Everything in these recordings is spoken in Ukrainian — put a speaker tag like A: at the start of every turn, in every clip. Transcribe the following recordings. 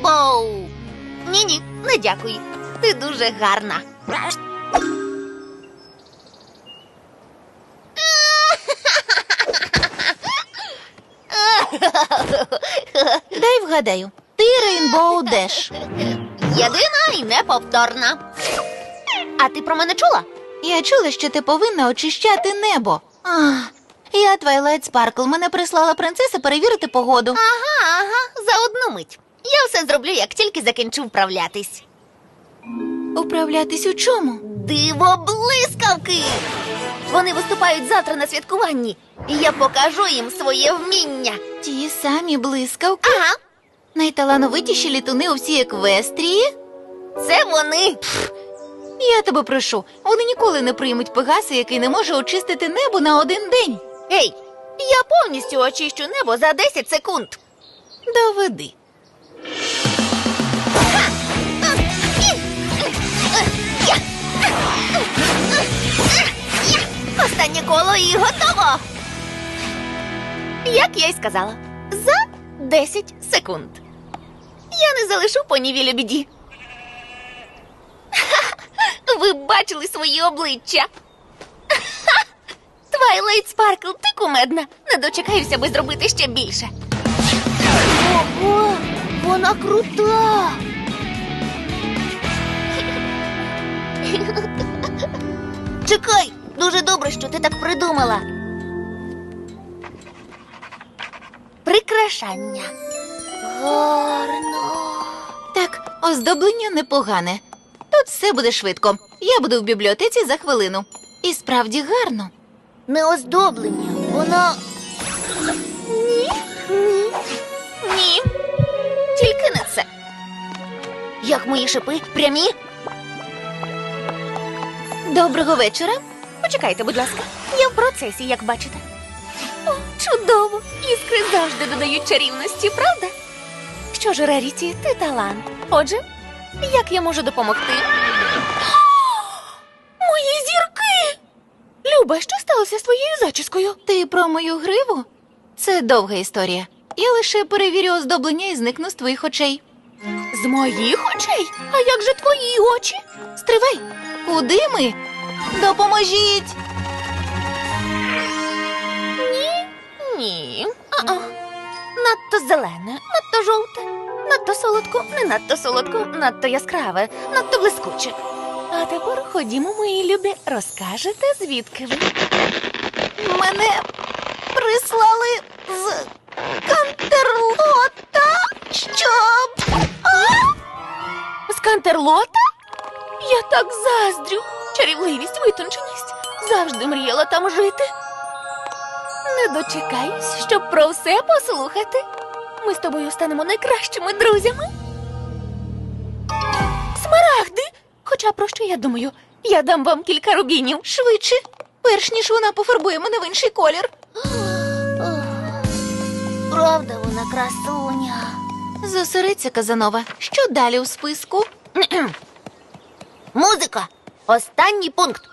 A: Рейнбоу! Ні-ні, не дякую. Ти дуже гарна.
B: Дай вгадаю. Ти Рейнбоу Деш.
A: Єдина і неповторна. А ти про мене чула?
B: Я чула, що ти повинна очищати небо. Я Твайлайт Спаркл. Мене прислала принцеса перевірити погоду.
A: Ага, за одну мить. Я все зроблю, як тільки закінчу вправлятись.
B: Управлятись у чому?
A: Диво-блискавки! Вони виступають завтра на святкуванні, і я покажу їм своє вміння.
B: Ті самі блискавки?
A: Ага,
B: Найталановитіші літуни у всій Еквестрії?
A: це вони.
B: Я тебе прошу, вони ніколи не приймуть Пегаса, який не може очистити небо на один день.
A: Ей, я повністю очищу небо за 10 секунд.
B: Доведи.
A: Останнє коло і готово. Як я й сказала, за 10 секунд. Я не залишу понівілю біді. Ви бачили свої обличчя. Твайлайт Спаркл, ти кумедна. Не дочекаюся, аби зробити ще більше. Ого, вона крута. Чекай, дуже добре, що ти так придумала. Прикрашання. Гарно.
B: Так, оздоблення непогане. Тут все буде швидко. Я буду в бібліотеці за хвилину. І справді гарно.
A: Не оздоблення, воно... Ні. Тільки не це. Як мої шипи? Прямі?
B: Доброго вечора.
A: Почекайте, будь ласка. Я в процесі, як бачите. О, чудово! Іскри завжди додають чарівності, правда? Що ж, Реріті, ти талант. Отже, як я можу допомогти? Мої зірки! Люба, що сталося з твоєю зачіскою?
B: Ти про мою гриву? Це довга історія. Я лише перевірю оздоблення і зникну з твоїх очей.
A: З моїх очей? А як же твої очі?
B: Стривай! Куди ми? Допоможіть!
A: Ні. Надто зелене, надто жовте, надто солодко, не надто солодко, надто яскраве, надто блискуче. А тепер ходімо, мої любі, розкажете, звідки ви?
B: Мене прислали з Кантерлота, щоб...
A: З Кантерлота? Я так заздрю. Чарівливість, витонченість. Завжди мріяла там жити. Не дочекаюсь, щоб про все послухати. Ми з тобою станемо найкращими друзями. Смарагди! Хоча про що я думаю? Я дам вам кілька рубінів.
B: Швидше, перш ніж вона пофарбує мене в інший колір.
A: Правда вона красуня.
B: Зосередься, Казанова. Що далі у списку?
A: Музика. Останній пункт.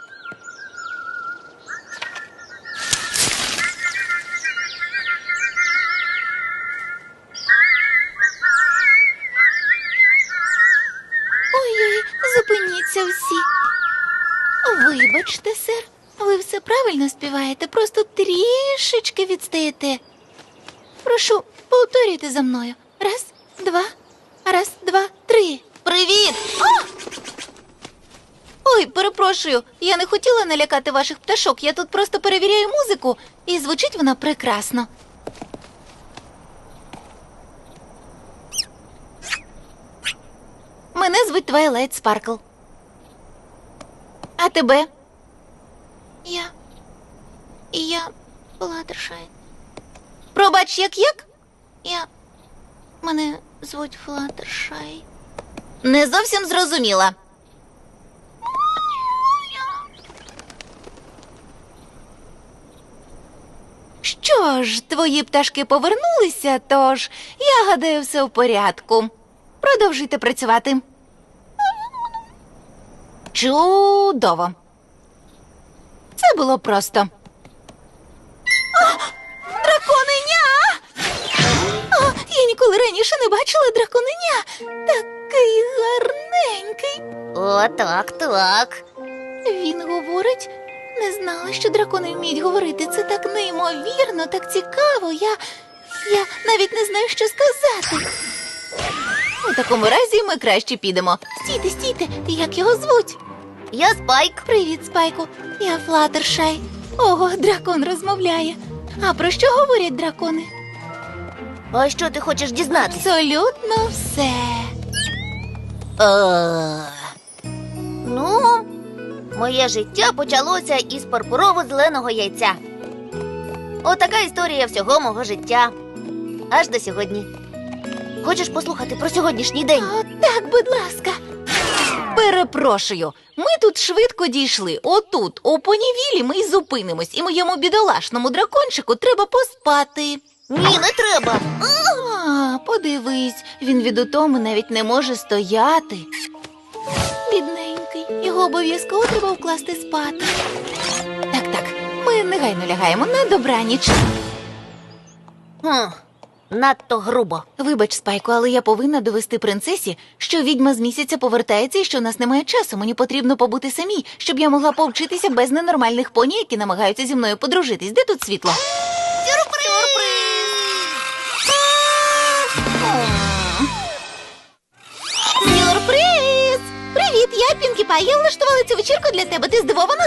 B: Ой-ой, зупиніться всі. Вибачте, сер, ви все правильно співаєте, просто трішечки відстаєте. Прошу, повторюйте за мною. Раз, два, три. Привіт! Ой, перепрошую, я не хотіла налякати ваших пташок, я тут просто перевіряю музику, і звучить вона прекрасно. Мене звуть Твайлайт Спаркл. А тебе? Я Флаттершай. Пробач, як? Мене звуть Флаттершай. Не зовсім зрозуміла. Що ж, твої пташки повернулися, тож, я гадаю, все в порядку. Продовжуйте працювати. Чудово. Це було просто. Драконеня! Я ніколи ніколи раніше не бачила драконеня. Такий гарненький.
C: О, так.
B: Він говорить, не знала, що дракони вміють говорити. Це так неймовірно, так цікаво. Я навіть не знаю, що сказати. У такому разі ми краще підемо. Стійте, як його звуть?
C: Я Спайк.
B: Привіт, Спайку. Я Флаттершай. Ого, дракон розмовляє. А про що говорять дракони?
C: А що ти хочеш дізнатися?
B: Абсолютно все.
C: Ну, моє життя почалося із пурпурово-зеленого яйця. Отака історія всього мого життя. Аж до сьогодні. Хочеш послухати про сьогоднішній день?
B: О, так, будь ласка. Перепрошую, ми тут швидко дійшли. Отут, у понівілі, ми й зупинимось, і моєму бідолашному дракончику треба поспати.
C: Ні, не треба.
B: А, подивись, він від утоми навіть не може стояти. Бідненький, його обов'язково треба вкласти спати. Так, ми негайно лягаємо на добраніч.
C: Надто грубо.
B: Вибач, Спайку, але я повинна довести принцесі, що відьма з місяця повертається і що у нас немає часу. Мені потрібно побути самій, щоб я могла повчитися без ненормальних поні, які намагаються зі мною подружитись. Де тут світло? Сюрприз! Привіт, я Пінкі Пай. Я влаштувала цю вечірку для тебе. Ти здивована?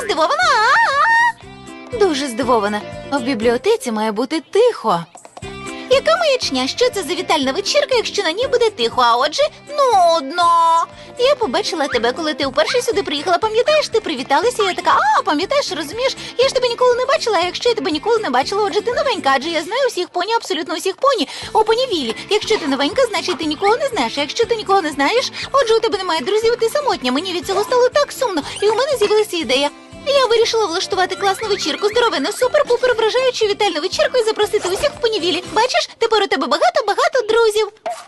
B: Дуже здивована. В бібліотеці має бути тихо. Яка маячня? Що це за вітальна вечірка, якщо на ній буде тихо, а отже, нудно. Я побачила тебе, коли ти вперше сюди приїхала. Пам'ятаєш, ти привіталася, я така, пам'ятаєш, розумієш? Я ж тебе ніколи не бачила, а якщо я тебе ніколи не бачила, отже, ти новенька, адже я знаю усіх поні, абсолютно усіх поні. У понівілі. Якщо ти новенька, значить ти нікого не знаєш. А якщо ти нікого не знаєш, отже, у тебе немає друзів, ти самотня. Мені від цього стало так сумно, і у мене з'явилася ідея. Я вирішила влаштувати класну вечірку, здоровенну, супер-пупер вражаючу вітальну вечірку і запросити усіх в понівілі. Бачиш, тепер у тебе багато друзів.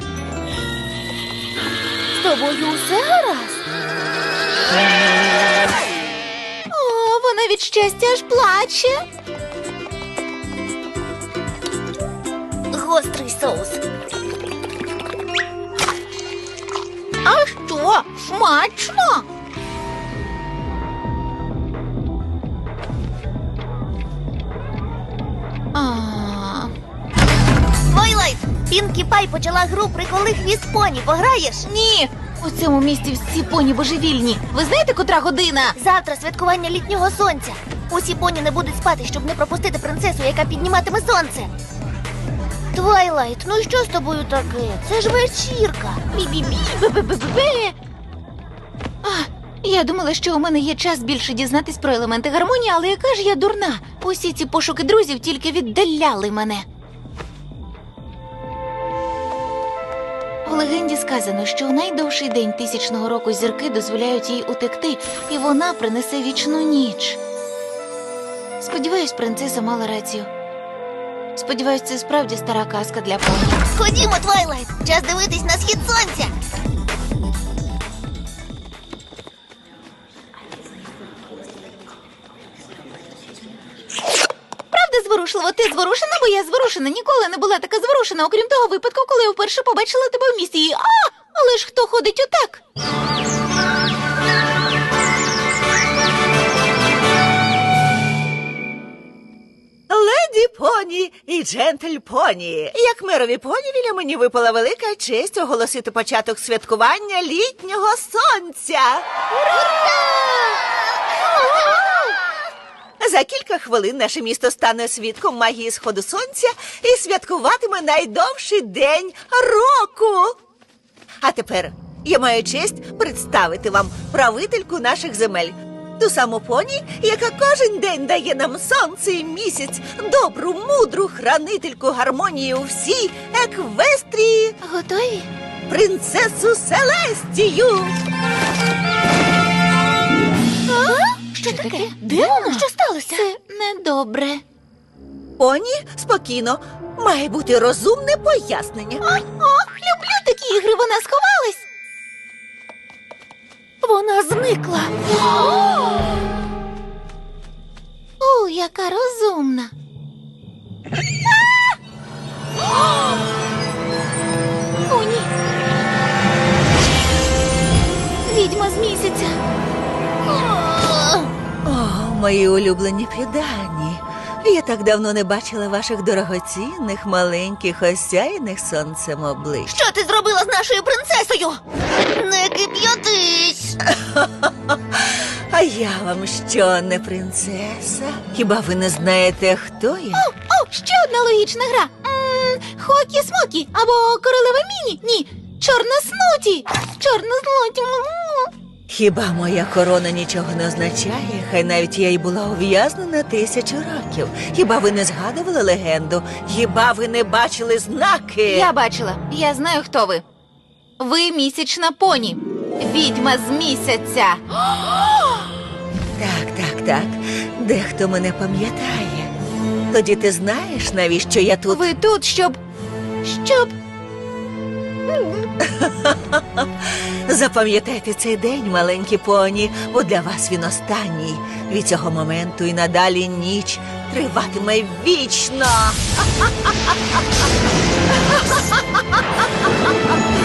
A: З тобою усе гаразд?
B: О, вона від щастя аж плаче.
C: Гострий соус.
B: А що? Смачно?
C: Твайлайт! Пінкі Пай почала гру «Приколи хвіст поні». Пограєш?
B: Ні, у цьому місті всі поні божевільні. Ви знаєте, котра година?
C: Завтра святкування літнього сонця. Усі поні не будуть спати, щоб не пропустити принцесу, яка підніматиме сонце. Твайлайт, ну і що з тобою таке? Це ж вечірка.
B: Бі-бі-бі, бе-бе-бе-бе. Я думала, що у мене є час більше дізнатись про елементи гармонії, але яка ж я дурна. Усі ці пошуки друзів тільки віддаляли мене. У легенді сказано, що у найдовший день 1000-го року зірки дозволяють їй утекти, і вона принесе вічну ніч. Сподіваюсь, принцеса мала рацію. Сподіваюсь, це справді стара казка для поні.
C: Ходімо, Твайлайт, час дивитись на схід сонця.
B: Правда зворушливо? Ти зворушена, бо я зворушена. Ніколи не була така зворушена, окрім того випадку, коли я вперше побачила тебе в місті. І, але ж хто ходить отак?
D: Леді поні і джентль поні. Як мерові понівіля мені випала велика честь оголосити початок святкування літнього сонця. За кілька хвилин наше місто стане свідком магії сходу сонця і святкуватиме найдовший день року. А тепер я маю честь представити вам правительку наших земель. Ту саму поні, яка кожен день дає нам сонце і місяць, добру, мудру хранительку гармонії у всій Еквестрії,
B: Готові?
D: принцесу Селестію.
B: Що таке?
C: Де вона? Що сталося?
B: Це недобре.
D: Поні, спокійно, має бути розумне пояснення.
B: Люблю такі ігри, вона сховалась.
A: Вона зникла.
B: О, яка розумна.
D: мої улюблені піддані. Я так давно не бачила ваших дорогоцінних, маленьких, осяяних сонцем облич.
C: Що ти зробила з нашою принцесою? Не кип'ятись!
D: А я вам що, не принцеса? Хіба ви не знаєте, хто я?
B: О, ще одна логічна гра. Хокі-смокі або королева Міні. Ні, чорноснуті. Чорноснуті.
D: Хіба моя корона нічого не означає? Хай навіть я й була ув'язнена 1000 років. Хіба ви не згадували легенду? Хіба ви не бачили знаки?
B: Я бачила. Я знаю, хто ви. Ви місячна поні. Відьма з місяця.
D: Так. Дехто мене пам'ятає. Тоді ти знаєш, навіщо я тут?
B: Ви тут, щоб...
D: Запам'ятайте цей день, маленькі поні, бо для вас він останній. Від цього моменту і надалі ніч триватиме вічно.